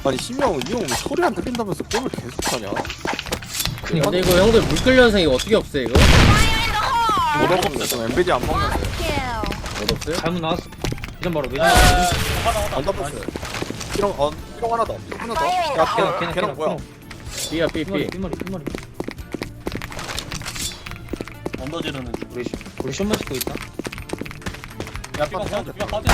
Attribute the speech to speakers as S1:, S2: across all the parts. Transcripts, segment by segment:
S1: 아니 심형 이 형 왜 소리 안 들린다면서 게임을 계속 하냐?
S2: 근데 이거 형들 물끓 현상 이거 어떻게 없애 이거?
S1: 못 없는데 좀 엠베디 안 먹는데
S2: 못 없어요?
S3: 잘못 나왔어. 이런 바로 매점.
S1: 안 덮었어요. 피롱 피롱 하나 더 피롱 하나 더. 야 걔는 뭐야?
S2: B야 B B.
S3: 삐머리.
S4: 언더지르는 중.
S3: 우리 쇼만 찍고 있다.
S4: 야 삐방 싸우자 삐방 빠져.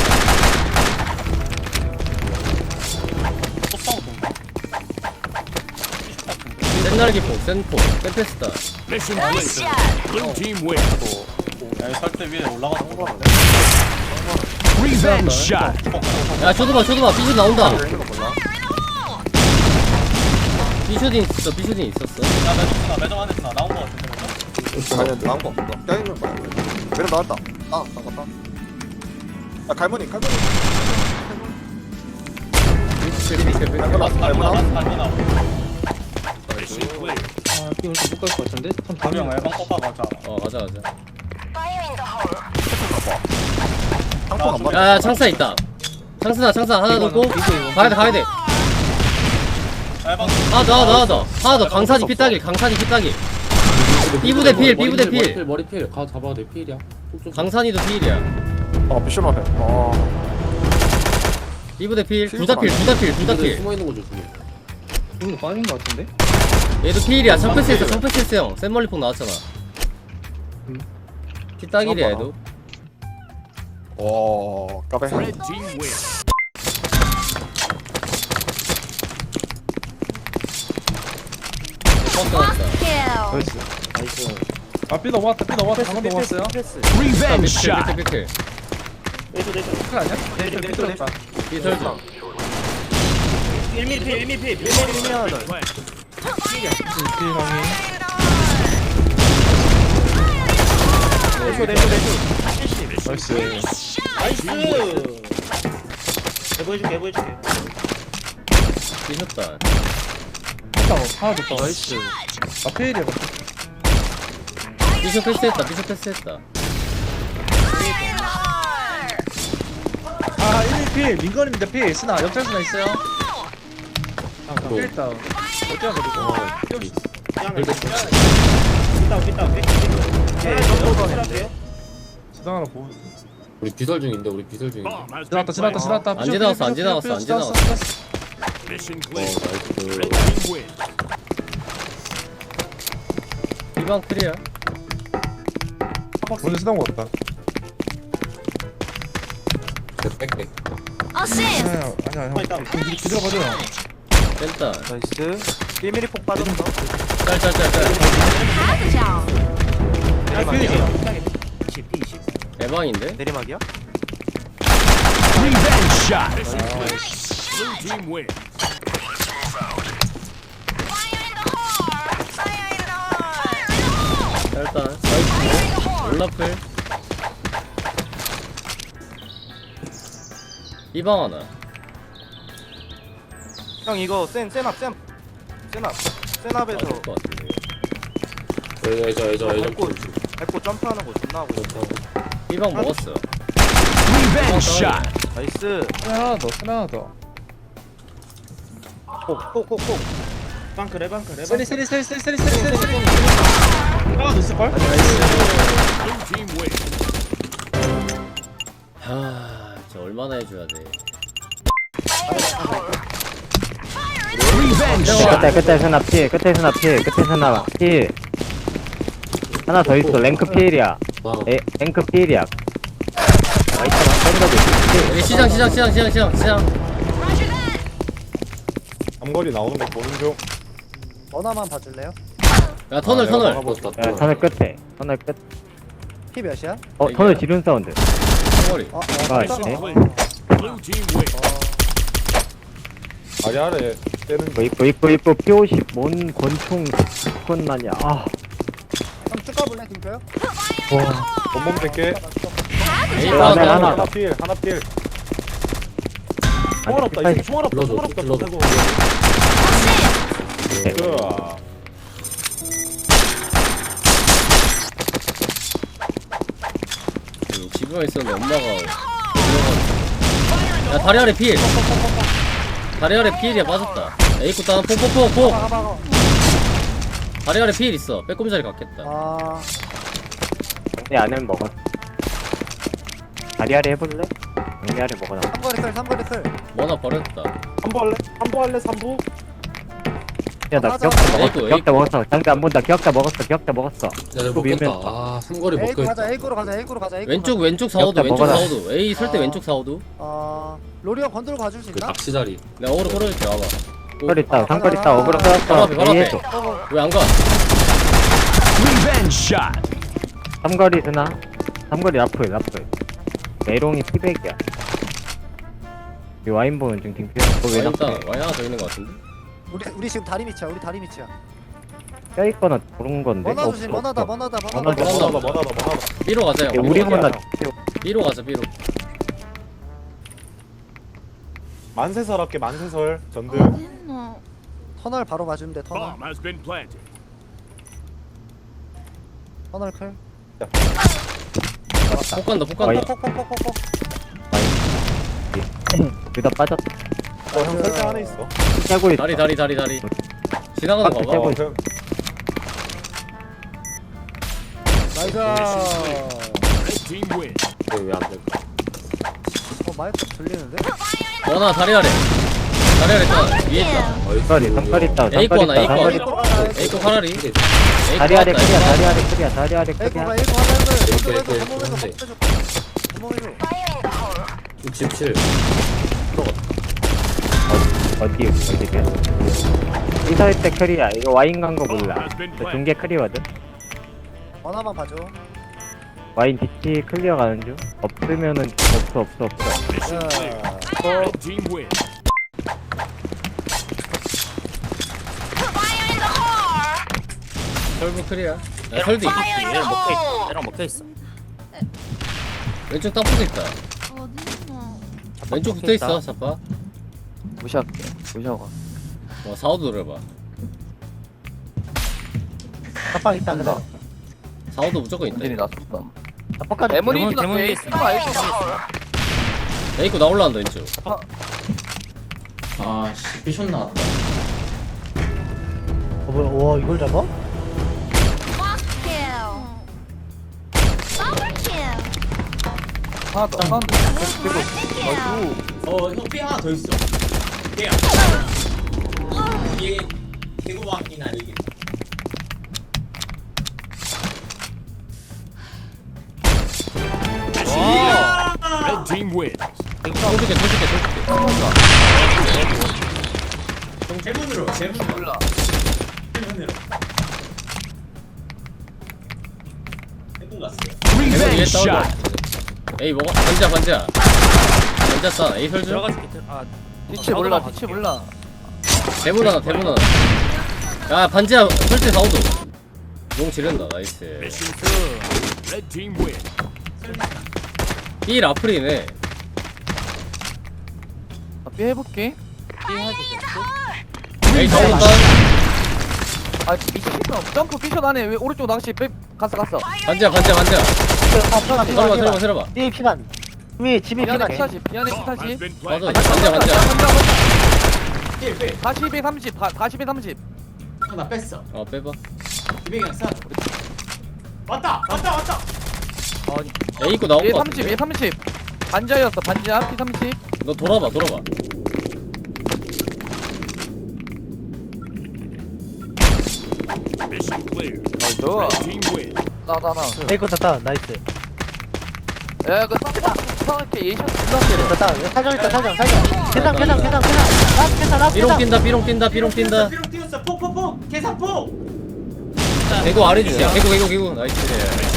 S4: 또 싸우던가? 피식 같은데.
S2: 센날기포 센포 센페스타.
S5: Mission complete. Blue team win.
S4: 야이 설대 위에 올라가서 거
S5: Revenge shot.
S2: 야 쇼드봐 B슛 나온다.
S1: 왜 있는 거 몰라?
S2: B슛이 있었어 B슛이 있었어.
S4: 야 매점 안에 있나 나온 거 같은데.
S1: 아니 나온 거 없어. 떼는 거야. 매력 나왔다. 나갔다. 야 갈머니.
S4: 라스 갈고
S5: Mission clear.
S3: 아, 삐 오늘 못갈 것 같은데? 참
S4: 가명
S3: 가면
S4: 앨범 뽑아 가자.
S2: 가자.
S1: 상품 안 받아.
S2: 야 창사 있다. 창사 하나 넣고 가야 돼.
S4: 앨범
S2: 하나 더 강산이 피따길. B부대 필.
S6: 머리 필. 가 잡아 내 필이야.
S2: 강산이도 필이야.
S1: 비숍 앞에.
S2: B부대 필. 둘 다 필.
S6: 숨어 있는 거 조심해.
S3: 이거 빠진 것 같은데?
S2: 얘도 필이야. 청패스했어 형. 센멀리폭 나왔잖아. 피따길이야 얘도.
S1: 까베.
S5: Red team win.
S3: 나이스. 아, 삐 넘어왔다. 방금 넘어왔어요.
S5: Revenge shot.
S2: 필.
S3: 그 아니야? 삐뚤었다.
S2: 피설정.
S4: 1mm
S3: 삐 형이. 나이스.
S4: 해보여줄게.
S2: 피셨다.
S3: 하나 더. 나이스. 아, 페일이야.
S2: 피셔 패스했다.
S3: 아, 1일 필. 민건입니다. 필. 스나. 역전 스나 있어요. 필 다운. 어디야, 지당 하나 보고.
S6: 우리 비설 중인데 우리 비설 중인데.
S5: Bomb has been
S3: 지나갔다.
S2: 안 지나갔어.
S5: Mission
S6: 어
S5: clear.
S6: 나이스.
S5: Red team win.
S2: 이방 클리어.
S3: 먼저 지나간 거 같다.
S6: 백.
S3: 아니야. 기다려 가자.
S2: 뺐다.
S1: 나이스. 1mm 폭 빠졌어.
S2: 짤. 대방인데?
S1: 내리막이야?
S5: Revenge shot. Mission clear. Blue team win.
S2: 일단 올라플. 이방 하나.
S1: 형 이거 센압에서
S2: 될것 같은데.
S6: 예저.
S1: 밟고 점프하는 거 존나 하고 있어.
S2: 이방 먹었어.
S5: Revenge shot.
S1: 나이스.
S3: 하나 더.
S1: 폭.
S3: 세리. 하나 더 있을걸?
S5: Blue team win.
S2: 저 얼마나 해줘야 돼.
S5: Revenge shot.
S7: 끝에 스나 필 하나 더 있어. 랭크 필이야. 랭크 필이야.
S2: 여기 시장.
S1: 앞거리 나오는 거 보는 중.
S8: 전화만 봐줄래요?
S2: 야 터널.
S7: 야, 터널 끝에. 터널 끝.
S8: 피 몇이야?
S7: 터널 지른 사운드.
S2: 터널이.
S7: 네.
S5: Blue team win.
S1: 아래 때는
S7: 이쁘 P50 뭔 권총 건만이야.
S8: 그럼 쭉 가볼래 김표요?
S7: 와.
S1: 본몸 뺄게.
S7: 하나.
S1: 필.
S7: 총알 없다. 이거
S1: 총알
S6: 불러줘.
S2: 집에 있었는데 엄마가. 야 다리 아래 필. 다리 아래 피일이야 빠졌다. 에이쿠 다운 폭폭폭폭.
S8: 가봐.
S2: 다리 아래 피일 있어. 빼꼼자리 갔겠다.
S8: 아,
S7: 내 안에는 먹었어. 다리 아래 해볼래? 다리 아래 먹어놔.
S8: 삼거리 클.
S2: 뭐나 버렸다.
S3: 한보 할래 3부?
S7: 야, 나
S8: 맞아.
S7: 기억자 먹었어.
S2: 에이구,
S7: 기억자 먹었어. 장대 안 본다. 기억자 먹었어.
S6: 야 내가
S7: 또 밀면
S6: 먹겠다. 아 삼거리
S8: A구
S6: 먹겠다.
S8: 가자. A구로 가자.
S2: 왼쪽 사오도 왼쪽
S7: 먹어라.
S2: 사오도. 에이 설 때 왼쪽 사오도.
S8: 로리 형 건드려 봐줄 수
S6: 그
S8: 있나?
S6: 낚시 자리.
S2: 내가 어그로 끌어줄게 와봐.
S7: 상거리 있다. 상거리 있다. 어그로
S2: 바로
S7: 끌었어.
S2: 앞에, 바로 앞에.
S7: 이해해줘.
S2: 왜 안 가?
S5: Revenge shot.
S7: 삼거리 드나? 삼거리 라플. 메롱이 피백이야. 이 와인 보는 중 딩피야. 너왜
S2: 와인 있다.
S7: 나쁘게
S2: 와인 하나 더 있는 거 같은데?
S8: 우리 지금 다리 밑이야.
S7: 껴있거나 그런 건데.
S8: 머나 조심. 머나다.
S7: 머나다.
S2: B로 가자 형.
S7: 야, 우리
S2: B로
S7: 머나.
S2: 가자. B로 가자 B로.
S3: 만세설 할게 만세설 전들.
S8: 터널 바로 맞으면 돼. 터널
S5: Bomb has been planted.
S8: 클.
S2: 폭 간다 폭
S7: 와인.
S2: 간다.
S8: 콕콕콕콕콕.
S7: 둘다 빠졌다.
S3: 형 설정 안에 있어.
S7: 깨고 있어.
S2: 다리. 지나가는 거
S7: 깨고
S2: 봐봐.
S7: 있어.
S8: 나이스.
S5: Red team win.
S6: 왜안 될까?
S8: 마이크 들리는데?
S2: 원아 다리 아래 있다. 위에 있다.
S7: 삼거리 있다.
S2: 에이코 하나, 에이코 하나.
S8: A구 가자.
S2: 에이코 카라리.
S7: 다리 아래
S2: 에이코
S7: 크리야.
S2: 왔다,
S7: 다리 아래 크리야.
S8: A구 하나.
S6: 이렇게.
S8: 구멍해줘.
S6: 67.
S7: 어디야? 이사일 때 크리야. 이거 와인 간 거
S5: Bomb
S7: 몰라.
S5: has been
S7: 저
S5: planted.
S7: 중계 크리거든.
S8: 하나만 봐줘.
S7: 와인 뒤치 클리어 가는 중. 없으면은 없어.
S5: Mission clear. Red team win.
S2: 설부 클리어. 야 설도 있어.
S9: 얘랑 먹혀있어.
S2: 왼쪽 땅포도 있다. 왼쪽 붙어 있어 자빠.
S9: 무시할게. 무시하고.
S2: 사오도 노려봐.
S8: 깜빡 있다. 그래.
S2: 사오도 무조건 있다.
S9: 완전히 놨었다.
S8: 깜빡.
S9: 대문이
S8: 대문
S9: 있어.
S2: 에이코 나 올라간다 왼쪽.
S4: 아씨 비숍 나왔다.
S8: 와 이걸 잡아?
S9: 하나 더.
S4: 형 B 하나 더 있어. B야. 이게 개구방이나 이게.
S5: Red team win.
S2: 돌줄게.
S4: 제문으로.
S9: 몰라.
S4: 제문으로. 해본 갔어요.
S5: Revenge
S2: 위에 다운이야.
S5: shot.
S2: 에이 먹어. 반지야. 반지야 싸. 에이 설주.
S9: 뒤치 몰라. 뒤치 몰라.
S2: 대문 하나. 야 반지야 설치 사오도. 용 지른다 나이스.
S5: Mission clear. Red team win.
S2: B 라플이네.
S9: 삐 해볼게.
S2: 에이 다운다.
S9: 아 미친 점프 피션 안에 왜 오른쪽 낚시 빼 갔어.
S2: 반지야. 들어봐.
S8: 이 피반. 집이
S9: 미안해
S8: 피반.
S9: 피타시. 미안해
S5: Bomb has
S9: 피타시.
S5: been
S2: 맞아.
S5: planted.
S2: 반지야.
S9: 40에 30. 40에 30.
S4: 나 뺐어.
S2: 빼봐.
S4: 기백이랑 싸. 왔다.
S2: 에이코 나온
S9: 얘
S2: 거
S9: 30.
S2: 같은데.
S9: 얘 30. 반자였어. 반자 피 30.
S2: 너 돌아봐.
S5: Mission clear.
S9: 좋아.
S5: Red team win.
S9: 나.
S8: 에이코 탔다. 나이스.
S9: 야, 그 이렇게 예션 존나
S8: 탔다. 사정 있다. 사정. 계산.
S2: 삐롱 뛴다.
S4: 삐롱 뛰었어. 폭. 계산폭.
S2: 개구 아래 주세요. 개구. 나이스.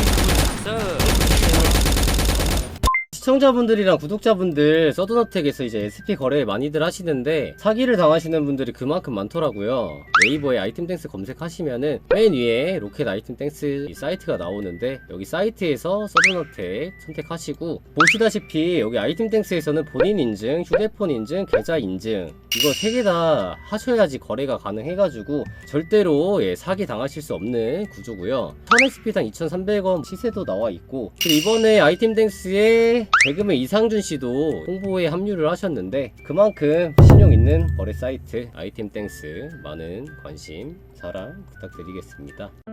S2: 시청자분들이랑 구독자분들 서든어택에서 이제 SP 거래 많이들 하시는데 사기를 당하시는 분들이 그만큼 많더라고요. 네이버에 아이템땡스 검색하시면은 맨 위에 로켓 아이템땡스 이 사이트가 나오는데 여기 사이트에서 서든어택 선택하시고 보시다시피 여기 아이템땡스에서는 본인 인증, 휴대폰 인증, 계좌 인증 이거 3개 다 하셔야지 거래가 가능해가지고 절대로 사기 당하실 수 없는 구조고요. 1000XP당 2,300원 시세도 나와 있고 그리고 이번에 아이템땡스에 개그맨 이상준 씨도 홍보에 합류를 하셨는데 그만큼 신용 있는 거래 사이트 아이템 땡스 많은 관심 사랑 부탁드리겠습니다.